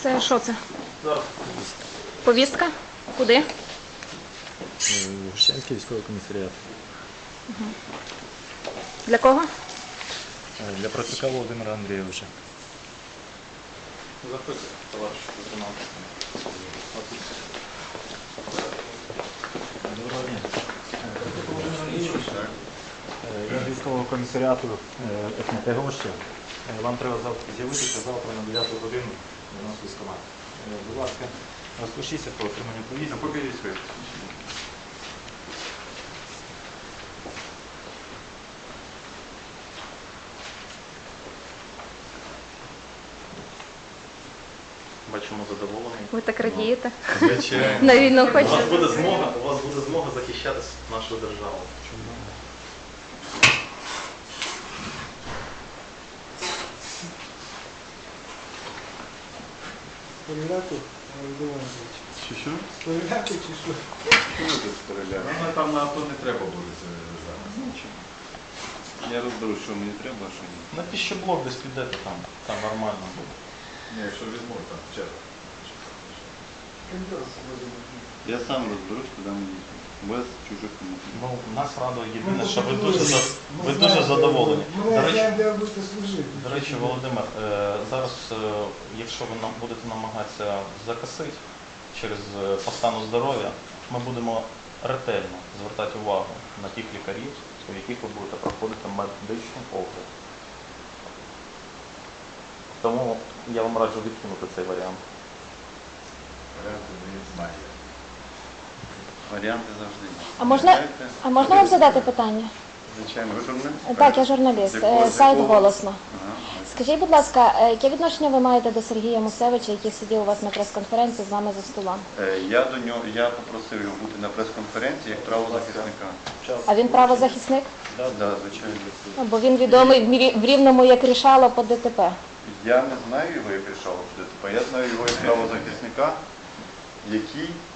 Це що це? Зараз. Повістка? Куди? Гущанський військовий комісаріат. Для кого? Для Процюка Володимира Андрійовича. Заходьте, товариш лейтенант. Доброго дня. Я з військового комісаріату ФНТ Гоща. Вам треба з'явитися завтра на 9 годину до нас в військкомат. Будь ласка, розпишіться по отриманню повістки. Покажіть своє. Бачимо задоволений. Ви так радієте? Звичайно. На війну У вас хочете? буде змога захищати нашу державу. Стріляти, Володимирович. Що? Стріляти чи що? Що ви тут стріляли? Ну, там на авто не треба буде зараз. Я розберу, що мені треба, а що ні. На піщоблок десь підете там нормально буде. Ні, якщо візьму, там чесно. Кондес, Володимирович. Я сам розберусь, куди мені йти. Без чужих коментарів. Ну, нас радує єдине, що ви дуже задоволені. Ми знаємо, де ви будете служити. До речі, Володимир, зараз, якщо ви будете намагатися закосити через по стану здоров'я, ми будемо ретельно звертати увагу на тих лікарів, у яких ви будете проходити медичний огляд. Тому я вам раджу відкинути цей варіант. Варіанти не знаю. Варіанти завжди. А можна вам задати питання? Звичайно, ви журналіст? Так, я журналіст. Сайт «Голосно». Ага. Скажіть, будь ласка, яке відношення ви маєте до Сергія Мусевича, який сидів у вас на прес-конференції з вами за столом? Я попросив його бути на прес-конференції як правозахисника. А він правозахисник? Так, звичайно. Бо він відомий в Рівному як рішало по ДТП. Я не знаю його як рішало ДТП, я знаю його як правозахисника, який